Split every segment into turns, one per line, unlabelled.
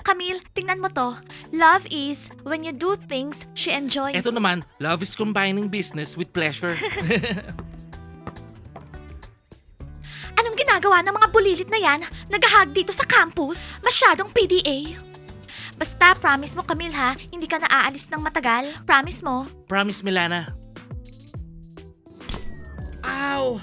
Camille, tingnan mo to. Love is when you do things she enjoys.
Eto naman, love is combining business with pleasure.
Anong ginagawa ng mga bulilit na yan? Nagahag dito sa campus? Masyadong PDA. Basta, promise mo Camille ha, hindi ka na aalis ng matagal. Promise mo.
Promise, Milana. Ow!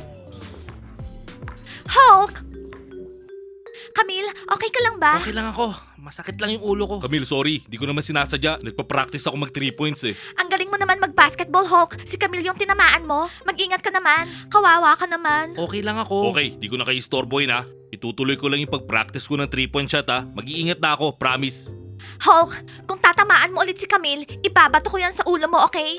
Hulk! Camille, okay ka lang ba?
Okay lang ako. Masakit lang yung ulo ko.
Camille, sorry. Di ko naman sinasadya. Nagpa-practice ako mag 3 points eh.
Ang galing mo naman mag-basketball, Hulk. Si Camille yung tinamaan mo. Mag-ingat ka naman. Kawawa ka naman.
Okay lang ako.
Okay, di ko na kayo istorbo yun ha. Itutuloy ko lang yung pag-practice ko ng 3-point shot ha. Mag-iingat na ako, promise.
Hulk, kung tatamaan mo ulit si Camille, ibabato ko yan sa ulo mo, okay?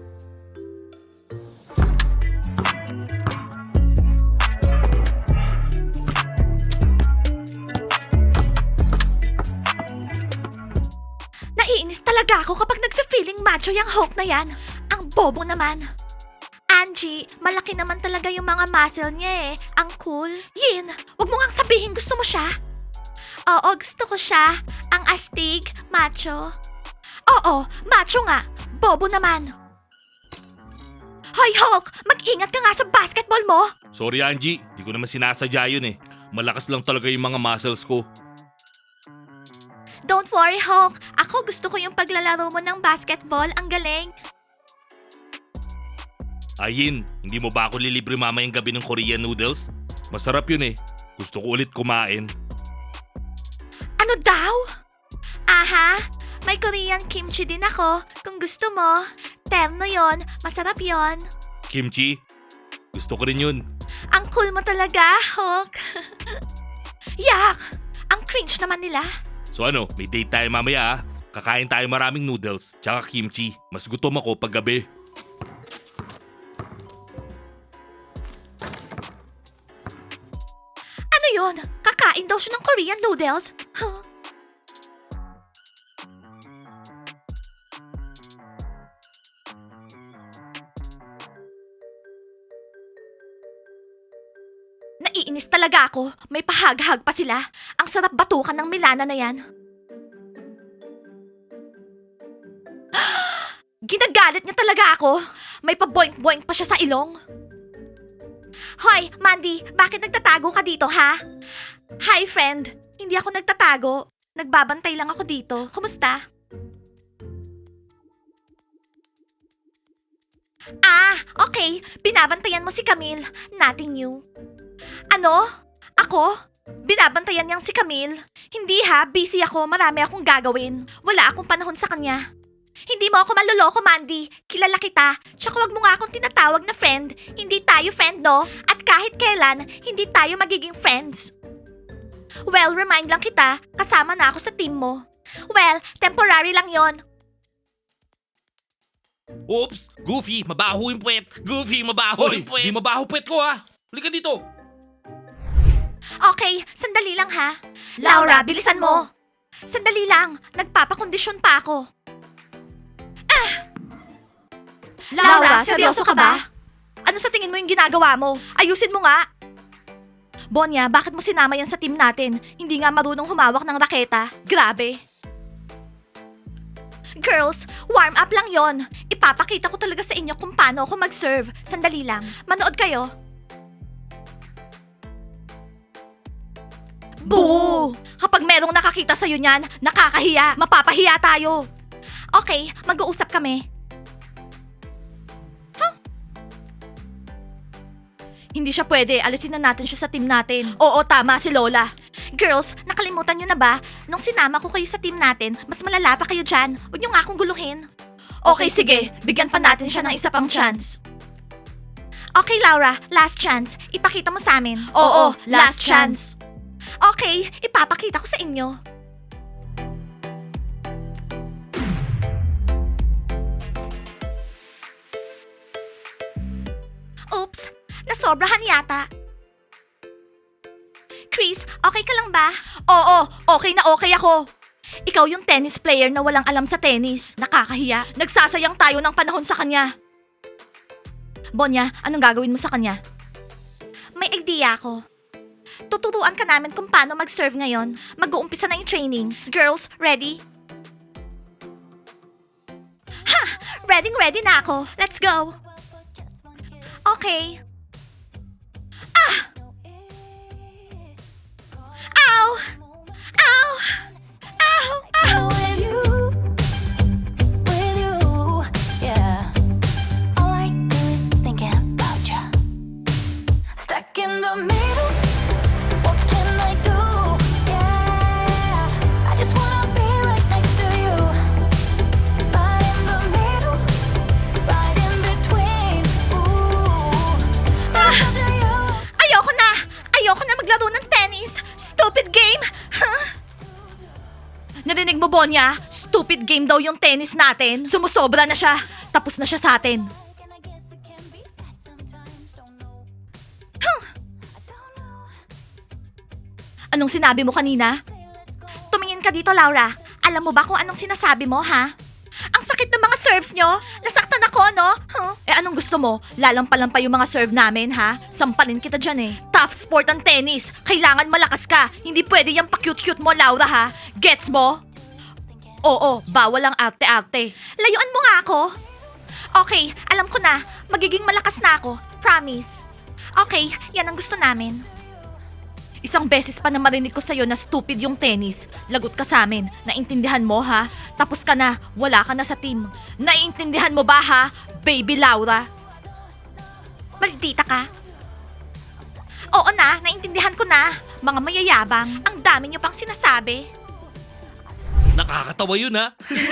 Naiinis talaga ako kapag nagfe-feeling macho yung Hulk na yan. Ang bobo naman. Angie, malaki naman talaga yung mga muscle niya eh. Ang cool. Yin, wag mo ngang sabihin gusto mo siya. Oo, gusto ko siya. Ang astig, macho. Oo, macho nga. Bobo naman. Hoy Hulk, mag-ingat ka nga sa basketball mo.
Sorry Angie, di ko naman sinasadya yun eh. Malakas lang talaga yung mga muscles ko.
Don't worry Hulk, ako gusto ko yung paglalaro mo ng basketball. Ang galing.
Ayin, hindi mo ba ako lilibre mamayang gabi ng Korean noodles? Masarap yun eh. Gusto ko ulit kumain.
Ano daw? Aha, may Korean kimchi din ako. Kung gusto mo, terno yon, masarap yon.
Kimchi? Gusto ko rin yun.
Ang cool mo talaga, Hulk. Yak! Ang cringe naman nila.
So ano, may date tayo mamaya ha. Kakain tayo maraming noodles, tsaka kimchi. Mas gutom ako pag gabi.
Ano yon? Kakain daw siya ng Korean noodles? Huh? Naiinis talaga ako. May pahag-hag pa sila. Ang sarap batukan ng Milana na yan. Ginagalit niya talaga ako. May pa-boink-boink pa siya sa ilong. Hoy, Mandy, bakit nagtatago ka dito, ha? Hi, friend. Hindi ako nagtatago. Nagbabantay lang ako dito. Kumusta? Ah, okay. Binabantayan mo si Camille. Nothing new. Ano? Ako? Binabantayan niyang si Camille? Hindi ha, busy ako. Marami akong gagawin. Wala akong panahon sa kanya. Hindi mo ako manloloko, Mandy. Kilala kita. Tsaka wag mo nga akong tinatawag na friend. Hindi tayo friend, no? At kahit kailan, hindi tayo magiging friends. Well, remind lang kita, kasama na ako sa team mo. Well, temporary lang yon.
Oops! Goofy, mabaho yung puwet. Goofy, mabaho yung puwet.
Di mabaho puwet ko ha. Halika dito.
Okay, sandali lang ha. Laura, bilisan mo. Sandali lang, nagpapakondisyon pa ako. Laura, seryoso ka ba? Ano sa tingin mo yung ginagawa mo? Ayusin mo nga. Bonya, bakit mo sinama yan sa team natin? Hindi nga marunong humawak ng raketa. Grabe. Girls, warm up lang yon. Ipapakita ko talaga sa inyo kung paano ako mag-serve. Sandali lang. Manood kayo. Boo! Kapag merong nakakita sa'yo niyan, nakakahiya. Mapapahiya tayo. Okay, mag-uusap kami. Hindi siya pwede. Alisin na natin siya sa team natin. Oo, tama si Lola. Girls, nakalimutan niyo na ba? Nung sinama ko kayo sa team natin, mas malala pa kayo dyan. Huwag niyo nga akong guluhin. Okay, sige. Bigyan pa natin siya ng isa pang chance. Okay, Laura. Last chance. Ipakita mo sa amin. Oo, last chance. Okay, ipapakita ko sa inyo. Oops, nasobrahan yata. Chris, okay ka lang ba? Oo, okay na okay ako. Ikaw yung tennis player na walang alam sa tennis. Nakakahiya. Nagsasayang tayo ng panahon sa kanya. Bonya, anong gagawin mo sa kanya? May idea ako. Tuturuan ka namin kung paano mag-serve ngayon. Mag-uumpisa na yung training. Girls, ready? Ha! Ready na ako. Let's go. Okay. Ah! Ow! Ow! Ow! Ow!
With you, yeah. All I do is thinking about you. Stuck in the middle, what can I do? Yeah, I just wanna be right next to you. Right in the middle, right in between. Ooh,
Ah!
to you.
Ayoko na! Ayoko na maglaro ng tennis! Stupid game! Huh? Narinig mo, Bonya? Stupid game daw yung tennis natin. Sumusobra na siya. Tapos na siya sa atin.
And I guess it can be bad sometimes, don't know.
Huh.
I don't know.
Anong sinabi mo kanina?
Say let's go.
Tumingin ka dito, Laura. Alam mo ba kung anong sinasabi mo, ha? Ang sakit ng mga serves nyo. Nasaktan ako, no? Huh? Eh anong gusto mo? Lalampalan pa yung mga serve namin, ha? Sampalin kita dyan eh. Tough sport ang tennis. Kailangan malakas ka. Hindi pwede yung pa-cute-cute mo, Laura, ha? Gets mo? Oo, bawal ang arte-arte. Layuan mo nga ako. Okay, alam ko na. Magiging malakas na ako. Promise. Okay, yan ang gusto namin. Isang beses pa na marinig ko sa'yo na stupid yung tennis. Lagot ka sa amin. Naintindihan mo, ha? Tapos ka na. Wala ka na sa team. Naintindihan mo ba, ha? Baby Laura. Maldita ka. Oo na, naintindihan ko na. Mga mayayabang. Ang dami niyo pang sinasabi.
Nakakatawa yun, ha?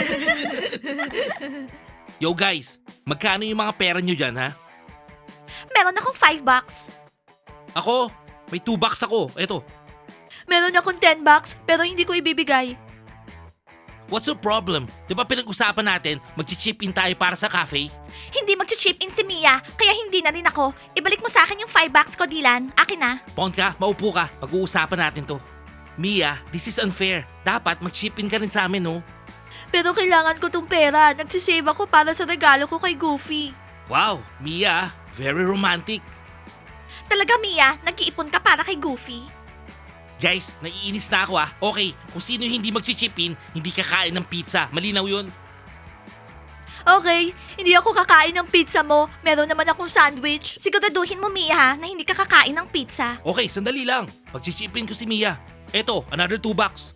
Yo guys, magkano yung mga pera nyo dyan, ha?
Meron akong $5.
Ako, may 2 bucks ako. Eto.
Meron akong $10 pero hindi ko ibibigay.
What's the problem? Di ba pinag-usapan natin, mag-chip in tayo para sa cafe?
Hindi mag-chip in si Mia, kaya hindi na rin ako. Ibalik mo sa akin yung $5 ko, Dylan. Akin na.
Pon ka, maupo ka. Pag-uusapan natin to. Mia, this is unfair. Dapat mag-chip in ka rin sa amin, no?
Pero kailangan ko tong pera. Nagsisave ako para sa regalo ko kay Goofy.
Wow, Mia, very romantic.
Talaga, Mia? Nag-iipon ka para kay Goofy?
Guys, naiinis na ako ah. Okay, kung sino yung hindi mag-chip in, hindi kakain ng pizza. Malinaw yun.
Okay, hindi ako kakain ng pizza mo. Meron naman akong sandwich. Siguraduhin mo, Mia, ha, na hindi ka kakain ng pizza.
Okay, sandali lang. Mag-chip in ko si Mia. Eto, another 2 bucks.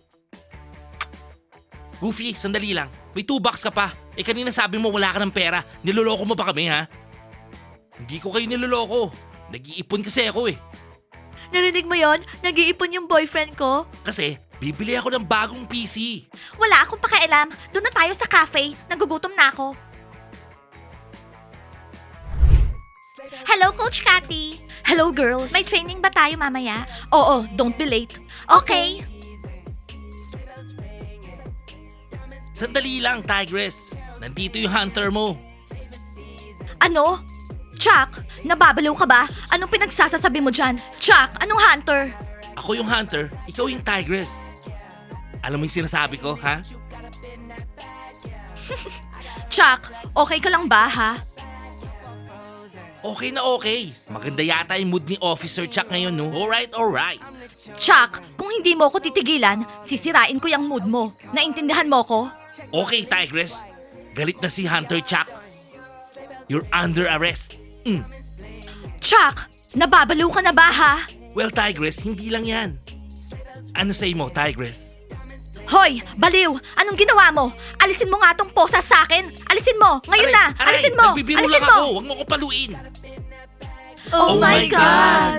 Goofy, sandali lang. May 2 bucks ka pa. Eh kanina sabi mo wala ka ng pera. Niloloko mo ba kami ha? Hindi ko kayo niloloko. Nag-iipon kasi ako eh.
Narinig mo yon? Nag-iipon yung boyfriend ko?
Kasi bibili ako ng bagong PC.
Wala akong pakialam. Doon na tayo sa cafe. Nagugutom na ako. Hello, Coach Cathy. Hello, girls. May training ba tayo mamaya? Oo, don't be late. Okay.
Sandali lang, Tigress. Nandito yung hunter mo.
Ano? Chuck, nababaliw ka ba? Anong pinagsasasabi mo dyan? Chuck, anong hunter?
Ako yung hunter, ikaw yung Tigress. Alam mo yung sinasabi ko, ha?
Chuck, okay ka lang ba, ha?
Okay na okay. Maganda yata yung mood ni Officer Chuck ngayon, no? Alright, alright.
Chuck, kung hindi mo ko titigilan, sisirain ko yung mood mo. Naintindihan mo ko?
Okay, Tigress. Galit na si Hunter Chuck. You're under arrest.
Chuck, nababaliw ka na ba, ha?
Well, Tigress, hindi lang yan. Ano say mo, Tigress?
Hoy, baliw! Anong ginawa mo? Alisin mo nga tong posa sa akin! Alisin mo! Ngayon na! Alisin mo!
Nagbibiro
Alisin
lang
mo!
ako. Huwag mo ko paluin.
Oh,
Oh
my
my
God!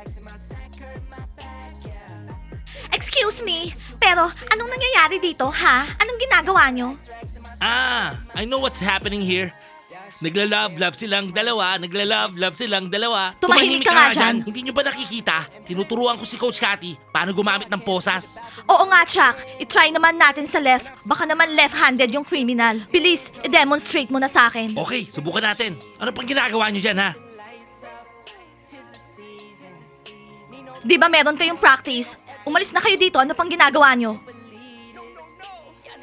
Excuse me, pero anong nangyayari dito, ha? Anong ginagawa nyo?
I know what's happening here. Nagla-love silang dalawa. Nagla-love silang dalawa.
Tumahimik ka nga dyan.
Hindi nyo ba nakikita? Tinuturuan ko si Coach Cathy paano gumamit ng posas.
Oo nga, Chuck. I-try naman natin sa left. Baka naman left-handed yung criminal. Bilis, i-demonstrate mo na sa akin.
Okay, subukan natin. Ano pang ginagawa nyo dyan, ha?
Di ba meron kayong practice? Umalis na kayo dito. Ano pang ginagawa nyo?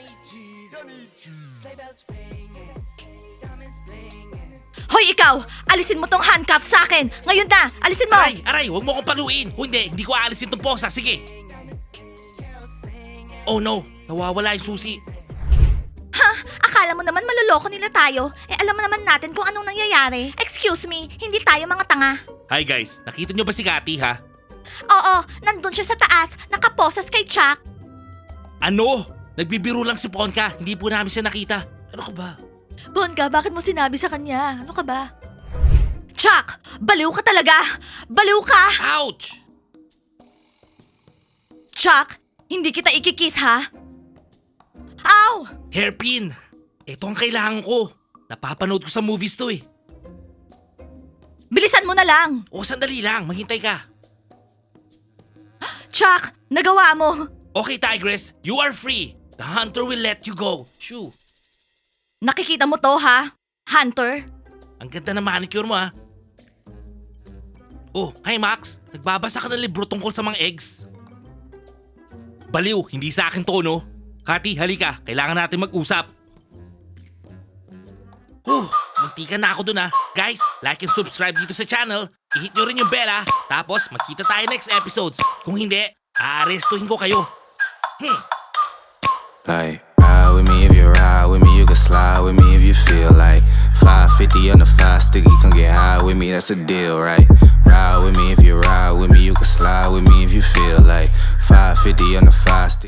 Hoy, ikaw! alisin mo tong handcuff sa akin. Ngayon na, alisin mo.
Aray, huwag mo akong paluin. Kung hindi ko aalisin tong posa. Sige. Oh no, nawawala yung susi.
Ha? Akala mo naman maloloko nila tayo? Alam mo naman natin kung anong nangyayari. Excuse me, hindi tayo mga tanga.
Hi guys, nakita nyo ba si Cathy ha?
Oo, nandun siya sa taas, nakaposas kay Chuck.
Ano? Nagbibiro lang si Ponka. Hindi po namin siya nakita. Ano ka ba?
Bonka, bakit mo sinabi sa kanya? Ano ka ba? Chuck, baliw ka talaga! Baliw ka!
Ouch!
Chuck, hindi kita ikikiss ha? Ow!
Hairpin! Ito ang kailangan ko. Napapanood ko sa movies to eh.
Bilisan mo na lang!
O sandali lang, maghintay ka.
Chuck, nagawa mo!
Okay Tigress, you are free. The hunter will let you go. Shoo.
Nakikita mo to ha? Hunter?
Ang ganda na manicure mo ha. Oh, hi Max. Nagbabasa ka ng libro tungkol sa mga eggs. Baliw, hindi sa akin to no? Cathy, halika. Kailangan natin mag-usap. Muntikan na ako dun ha. Guys, like and subscribe dito sa channel. I-hit nyo rin yung bell ha. Tapos, magkita tayo next episodes. Kung hindi, aarestuhin ko kayo.
Like, ride with me if you ride with me, you can slide with me if you feel like 550 on the 5 sticky, come get high with me, that's a deal, right? Ride with me if you ride with me, you can slide with me if you feel like 550 on the 5 sticky.